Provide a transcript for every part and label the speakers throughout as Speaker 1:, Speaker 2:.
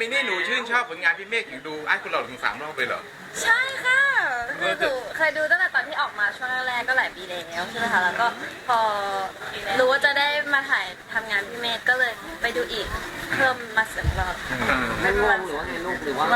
Speaker 1: มินี่หนูชื่นชอบผลงานพี่เมฆถึงดูไอ้คุณหล่อถึง3 รอบเลยเหรอ
Speaker 2: ใช่ค่ะคือหนูเคยดูตั้งแต่ตอนที่ออกมาช่วงแรกๆก็หลายปีแล้วใช่ไหมคะแล้วก็พอรู้ว่าจะได้มาถ่ายทำงานพี่เมฆก็เลยไปดูอีกเพิ่มมา2 รอบ
Speaker 3: ไม่งงหรือว่าไงลูกหรือว่า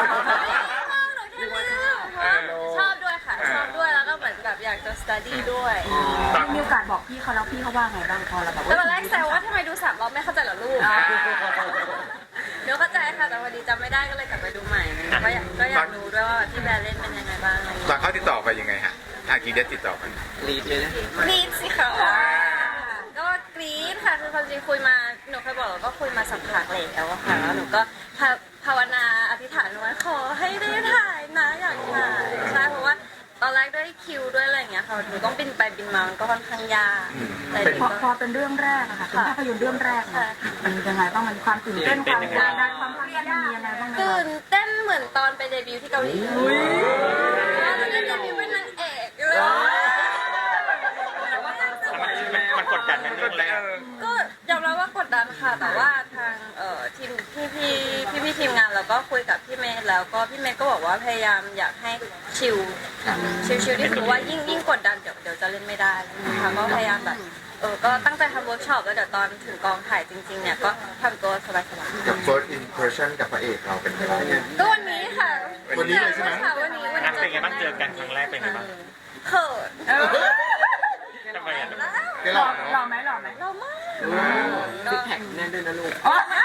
Speaker 2: ชอบด้วยค่ะชอบด้วยแล้วก็เหมือนแบบอยากจะ study ด้วย
Speaker 4: มีโอกาสบอกพี่เขาแล้วพี่เขาว่าไงบ้างพอเราแบบ
Speaker 2: ตอนแรกแซวว่าทำไมดู3 รอบไม่เข้าใจเหรอลูกเดี๋ยวเข้าใจค่ะแต่พอดีจำไม่ได้ก็เลยกลับไปดูใหม่ก็อยากรู้ด้วยว่าพี่แบร์เล่นเป็นยังไงบ้างอะไรอย่างเงี้ย
Speaker 1: ตอนเขาติดต่อไปยังไงฮะทางกีเดสติดต่อไป
Speaker 3: รีดเลยนะ
Speaker 2: กรี๊ดสิคะก็กรี๊ดค่ะคือความจริงคุยมาหนูเคยบอกเราก็คุยมาสักพักแล้วอะค่ะแล้วหนูก็ภาวนาอธิษฐานไว้ขอให้ได้ถ่ายนะอยากถ่ายใช่เพราะว่าตอนแรกด้วยคิวด้วยอะไรอย่างเงี้ยค่ะหนูต้องบินไปบินมามันก็ค่อนข้างยาก
Speaker 4: พอเป็นเรื่องแรกอะค่ะเป็นภาพยนตร์เรื่องแรกมันยังไงบ้างมันความตื่นเต้นความกดดันความเครียดมันมียังไงบ้าง
Speaker 2: ตื่นเต้นเหมือนตอนไปเดบิวต์ที่เกาหลีตอนเดบิวต์เป็นนางเอกเลย
Speaker 5: มันกดดันเป็นเรื่องแรก
Speaker 2: ก็ยอมรับว่ากดดันค่ะแต่ว่าทางทีมพี่ทีมงานเราก็คุยกับพี่เมย์แล้วก็พี่เมย์ก็บอกว่าพยายามอยากให้ชิลที่สุดว่ายิ่งกดดันเดี๋ยวจะเล่นไม่ได้นะคะก็พยายามแบบก็ตั้งใจทำเวิร์กช็อปแล้วเดี๋ยวตอนถึงกองถ่ายจริงๆเนี่ยก็ทำตัวสบายๆ
Speaker 6: กับ first impression กับพระเอกเราเป็นยังไง
Speaker 2: ก็วันนี้ค่ะ
Speaker 6: วันนี้เลยใช่ไหม
Speaker 2: วันนี้
Speaker 5: เป็นไงบ้างเจอกันครั้งแรกเป็นไงบ้าง
Speaker 2: เขิน
Speaker 5: ทำไมอ่ะ
Speaker 4: หล่อไหม
Speaker 2: เรามาก
Speaker 3: ซิกแพคแน่นด้วยนะลูก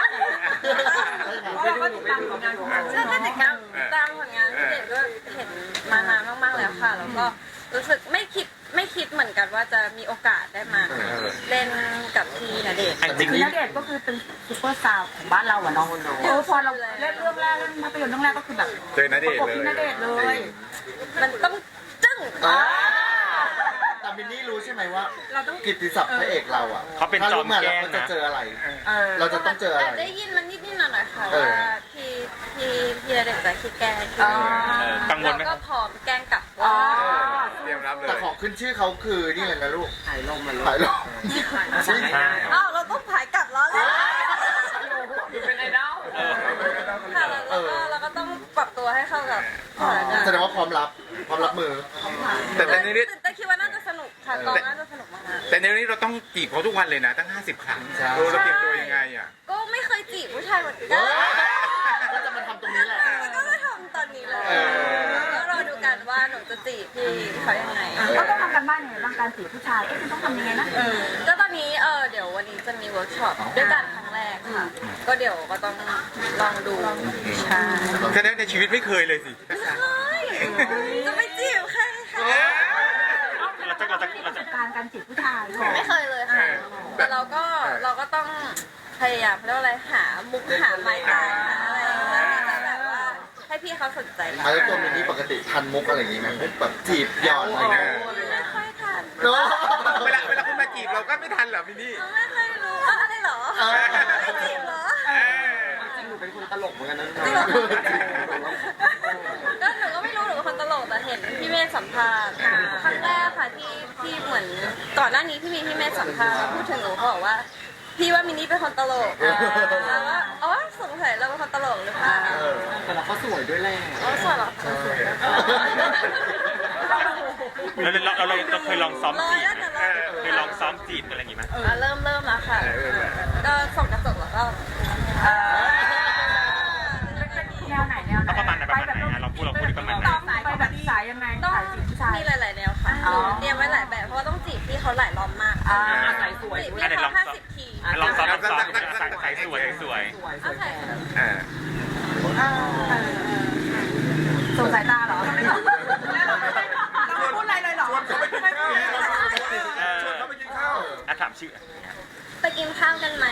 Speaker 4: เราก็ติดตามผลงานของเรา
Speaker 2: ใช่ติดตามผลงานพี่เด็กก็เห็นมานานมากๆแล้วค่ะแล้วก็รู้สึกไม่คิดเหมือนกันว่าจะมีโอกาสได้มาเล่นกับพี่ณเดชน์
Speaker 4: คือณเดชน์ก็คือเป็นซุปเปอร์สตาร์ของบ้านเราอะน้องพอเราเล่นเรื่องแรกเล่นภาพยนตร์เรื่องแรกก็คือแบบ
Speaker 1: เจอณเดชน์
Speaker 4: เลย
Speaker 2: มันต้องจึ้ง
Speaker 6: แต่มินนี่รู้ใช่ไหมว่ากิตติศัพท์พระเอกเราอ่ะ
Speaker 5: เขาเป็นจอมแกล้ง
Speaker 6: จะ
Speaker 5: นะ
Speaker 6: เจออะไรเราจะต้องเจออะไร
Speaker 2: ได้ยินมันนิดหน่อยค่ะว่าพี่ณเดชน์จะขี้แกล้ง
Speaker 5: กังวลไหม
Speaker 2: ก็พร้อมแกล้งกลับ
Speaker 1: เตรียมรับเลย
Speaker 6: แต่ของขึ้นชื่อเขาคือนี่เลยนะลูก
Speaker 3: ถ่ายลมมาลูก
Speaker 6: ถ่ายลม
Speaker 2: เราต้องผายกลับแล้วเลย
Speaker 3: เป็นไอดอล
Speaker 2: ค่ะแล้วก็ต้องปรับตัวให้เข้ากับ
Speaker 6: แสดงว่าพร้อมรับมือ
Speaker 1: แต่ในนี้
Speaker 2: แต่คิดว่าน่าจะสนุกค่ะกองน่าจะสนุกมาก
Speaker 1: แต่ในนี้เราต้องจีบเขาทุกวันเลยนะตั้ง50 ครั้งเราเตรียมตัวยังไงอ่ะ
Speaker 2: ก็ไม่เคยจีบผู้ชายเหมือนกัน
Speaker 6: ก็จะมาทำตรงนี้แหละ
Speaker 2: ก็มาทำตอนนี้เลยก็รอดูกันว่าหนูจะจีบพี่เขายังไง
Speaker 4: ก็ต้องทำกันบ้านยังไงบ้างการจีบผู้ชายคุณต้องทำยังไงนะ
Speaker 2: ก็ตอนนี้เดี๋ยววันนี้จะมีเวิร์กช็อปด้วยกันครั้งแรกค่ะก็เดี๋ยวก็ต้องลองดูใช่
Speaker 1: แค่นั้นในชีวิตไม่เคยเลยสิ
Speaker 2: จะไปจีบใครคะ
Speaker 4: การจีบผู้ชาย
Speaker 2: ไม่เคยเลยค่ะแต่เราก็ต้องพยายามเรียกว่าอะไรหามุกหาไม้ตายหาอะไรจะแบบว่าให้พี่เขาสนใจเรา
Speaker 6: แล้วตัวมินนี่ปกติทันมุกอะไรอย่างงี้ไหมมุกแบบจีบหยอดอะไรนะ
Speaker 2: ไม่ค่อยทัน
Speaker 1: เวลาคุณมาจีบเราก็ไม่ทันเหรอมินนี่
Speaker 2: ไม่เคยรู้อะไรเหรอไม่จีบเหรอ
Speaker 3: จริงหนูเป็นคนตลกเหมือนกันนะ
Speaker 2: ก็หนูก็ไม่รู้หนูเป็นคนตลกแต่เห็นพี่เมฆสัมภาษณ์ครั้งแรกค่ะที่เหมือนก่อนหน้านี้ที่มีพี่เมฆสัมภาษณ์พูดถึงหนูเขาบอกว่าพี่ว่ามินนี่เป็นคนตลกแล้วว่าสงสัยเราเป็นคนตลกหรือเปล่า
Speaker 3: แต่เราก็สวยด้วยแหละ
Speaker 2: สวยหรอ
Speaker 5: เราเคยลองซ้อมจีบอะไรอย่างงี้ไหม
Speaker 2: เริ่มแล้วค่ะก็ส่องกระจกแล้วก็
Speaker 4: แนวไหน
Speaker 5: ประมาณไหนเราพูดประมาณไหน
Speaker 4: ไปแบบสายยังไง
Speaker 2: ต้องมีหลายๆแนวค่ะเตรียมไว้หลายแบบเพราะว่าต้องจีบพี่เขาหลายรอบมาก
Speaker 3: สายสวย
Speaker 2: พี่เขา50 ที
Speaker 5: ลองซ้อมสายสวย
Speaker 4: ส่งสายตาเหรอเราพูดอะไรเลยเหรอ
Speaker 1: ชวนเขาไปกินข้าว
Speaker 5: ถามชื่อ
Speaker 2: ไปกินข้าวกันไหม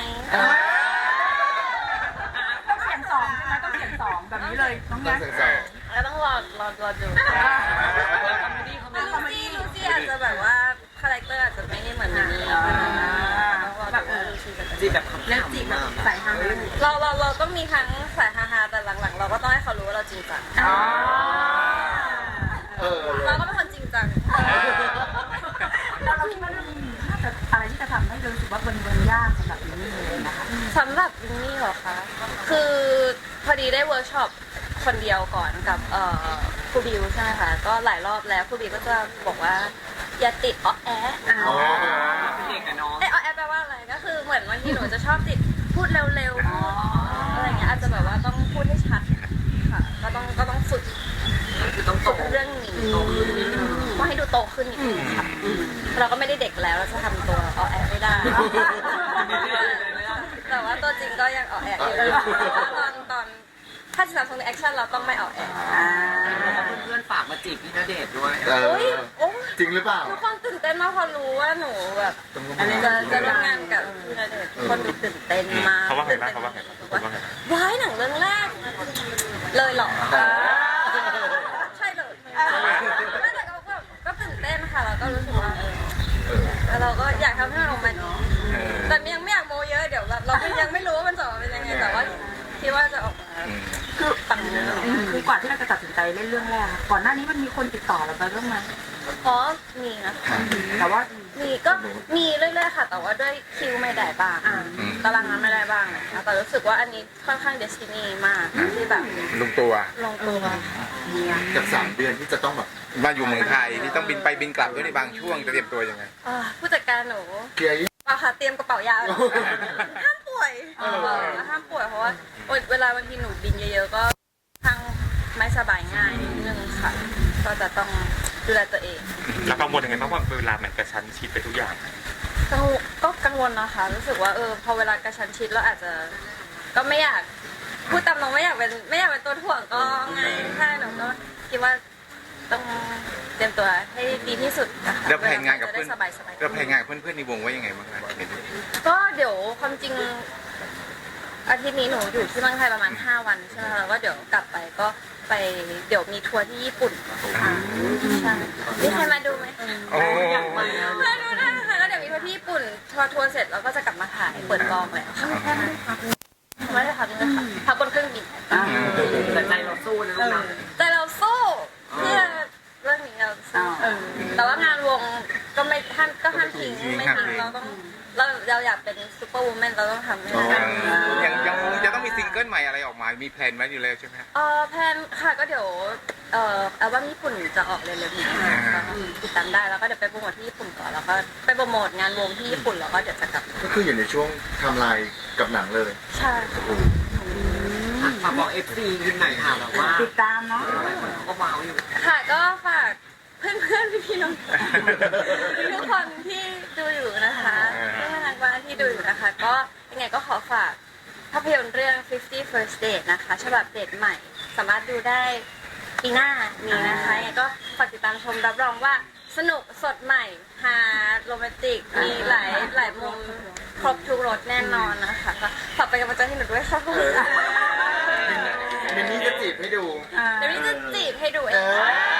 Speaker 4: ต้องเสียง2ใช่ไหมต้องเสียง2แบบนี้เลยน้องแง่
Speaker 2: แล้วต้องรอดูลูซี่อาจจะแบบว่าคาแรคเตอร์อาจจะไม่ได้เหมือนนี้
Speaker 3: แบบจีบแบบ
Speaker 4: เล่นจีบแบบสายฮา
Speaker 2: เราก็มีทั้งสายฮาแต่หลังๆเราก็ต้องให้เขารู้ว่าเราจริงจังเราก็เป็นคนจริงจัง
Speaker 4: เราคิดว่าเรื่องนี้อะไรที่จะทำให้รู้สึกว่ามันยากสำหรับมินนี่เลยนะคะ
Speaker 2: สำหรับมินนี่เหรอคะคือพอดีได้เวิร์กช็อปคนเดียวก่อนกับครูบิวใช่ไหมคะก็หลายรอบแล้วครูบิวก็จะบอกว่าอย่าติดอ้อแอะ
Speaker 6: อ๋อ
Speaker 3: เป็นเด็กกับน้อง
Speaker 2: อ้อแอะแปลว่าอะไรก็คือเหมือนบางทีหนูจะชอบติดพูดเร็วๆอะไรเงี้ยอาจจะแบบว่าต้องพูดให้ชัดค่ะก็ต้องฝึก
Speaker 3: คือต้องโต
Speaker 2: ฝึกเรื่องนี้ว่าให้ดูโตขึ้นนิดนึงค่ะเราก็ไม่ได้เด็กแล้วเราจะทำตัวอ้อแอะไม่ได้ แต่ว่าตัวจริงก็ยังอ้อแอะอยู่ตอนถ้าจะทำตรงในแอคชั่นเราต้องไม่อ้อแอะ
Speaker 3: เพื่อนๆฝากมาจีบพี่ณเดชน์ด้วย
Speaker 6: เออ
Speaker 2: โอ้ยโอ้ย
Speaker 6: จริงหรือเปล่า
Speaker 2: ทุกคนตื่นเต้นมากพอรู้ว่าหนูแบบจะร่วมงานกับพี่ณเดชน์ทุกคนดูตื่นเต้นมาก
Speaker 5: เขาว่าไงบ้างเขาว่าไงบ้าง
Speaker 2: ว้ายหนังเรื่องแรกเลยเหรอใช่เลยไม่แต่ก็ตื่นเต้นค่ะแล้วก็รู้สึกว่าเราก็อยากทำให้มันออกมาดีแต่ยังไม่อยากโมเยอะเดี๋ยวแบบเราก็ยังไม่รู้ว่ามันจะออกมาเป็นยังไงแต่ว่าคิดว่าจะออกมาคือปัง
Speaker 4: คือกว่าที่เราจะตัดสินใจเล่นเรื่องแรกก่อนหน้านี้มันมีคนติดต่อเราไปบ้างไหม
Speaker 2: เพราะมีนะ
Speaker 4: แต่ว่า
Speaker 2: มีก็มีเรื่อยๆค่ะแต่ว่าด้วยคิวไม่ได้บ้างตารางงานไม่ได้บ้างนะคะแต่รู้สึกว่าอันนี้ค่อนข้างเดสตินีมากที่แบบ
Speaker 1: ลงตัว
Speaker 2: ลงตัว
Speaker 6: กับ3 เดือนที่จะต้องแบบ
Speaker 1: มาอยู่เมืองไทยที่ต้องบินไปบินกลับด้วยในบางช่วงจะเตรียมตัวยังไง
Speaker 2: ผู้จัดการหนู
Speaker 6: เคลียร์
Speaker 2: เปล่าค่ะเตรียมกระเป๋ายาห้ามป่วยห้ามป่วยเพราะว่าเวลาบางทีหนูบินเยอะๆก็ทางไม่สบายง่ายนิดนึงค่ะก็จะต้องดูแลตัวเอง
Speaker 5: แล้วกังวลยังไงบ้างว่าเวลามันกระชั้นชิดไปทุกอย่าง
Speaker 2: ก็กังวลนะคะรู้สึกว่าพอเวลากระชั้นชิดเราอาจจะก็ไม่อยากพูดตามตรงไม่อยากเป็นตัวถ่วงก็ไงใช่หนูก็คิดว่าต้องเตรียมตัวให้ดีที่สุดนะคะ
Speaker 1: แล้วแผนงานกับ
Speaker 2: จะ
Speaker 1: เพื่
Speaker 2: ได้
Speaker 1: อน
Speaker 2: สบายๆ
Speaker 1: แล้วแผนงานกับเพื่อนๆในวงว่ายังไงบ้างคะเห็น
Speaker 2: ก็เดี๋ยวความจริงอาทิตย์นี้หนูอยู่ที่เมืองไทยประมาณ5 วันใช่ไหมคะแล้วก็เดี๋ยวกลับไปก็ไปเดี๋ยวมีทัวร์ที่ญี่ปุ่นใช่มีใครมาดูไหม
Speaker 1: โอ้
Speaker 2: มาดูได้ค่ะแล้วเดี๋ยวมีทัวร์ที่ญี่ปุ่นทัวร์เสร็จแล้วก็จะกลับมาถ่ายเปิดกองแล้วไม่ได้พักเลยค่ะพักบนเครื่องบิน
Speaker 3: แต่ใจเราสู้นะลูกนะ
Speaker 2: แต่เราสู้เพื่อเรื่องนี้เราสู้แต่ว่างานวงก็ไม่ห้ามทิ้งไม่ทิ้งเราอยากเป็นซูเปอร์วูแมนเราต้องทำให้ได้
Speaker 1: ยังวงจะต้องมีซิงเกิลใหม่อะไรออกมา มีแพลนไว้อยู่แล้วใช่ไหม
Speaker 2: แพลนค่ะก็เดี๋ยวอัลบั้มญี่ปุ่นจะออกเร็วๆนี้ก็ติดตามได้แล้วก็เดี๋ยวไปโปรโมทที่ญี่ปุ่นก่อนแล้วก็ไปโปรโมทงานวงที่ญี่ปุ่นแล้วก็เดี๋ยวจะกลับ
Speaker 6: ก็คืออยู่ในช่วงไทำลายกับหนังเลย
Speaker 2: ใช่
Speaker 3: ฝากบอก FC ยินหน่อยค่ะแบบว่า
Speaker 4: ติดตามเนาะ
Speaker 3: เขาก็ว้าวอยู่
Speaker 2: ค่ะก็ฝากเพื่อนๆพี่ๆน้องๆทุกคนที่ดูอยู่นะคะที่น่ารักมากที่ดูอยู่นะคะ ก็ยังไงก็ขอฝากภาพยนตร์เรื่อง 50 First Date นะคะฉบับเดทใหม่สามารถดูได้ปีหน้านี้นะคะยังไงก็ฝากติดตามชมรับรองว่าสนุกสดใหม่ฮาโรแมนติกมีหลายมุมครบทุกรสแน่นอนนะคะก็ฝากเป็นกำลังใจให้หนูด้วยค่ะ
Speaker 6: มินนี่จะจีบให้ดู
Speaker 2: เดี๋ยวนี้จะจีบให้ดูเอ
Speaker 6: เอง อ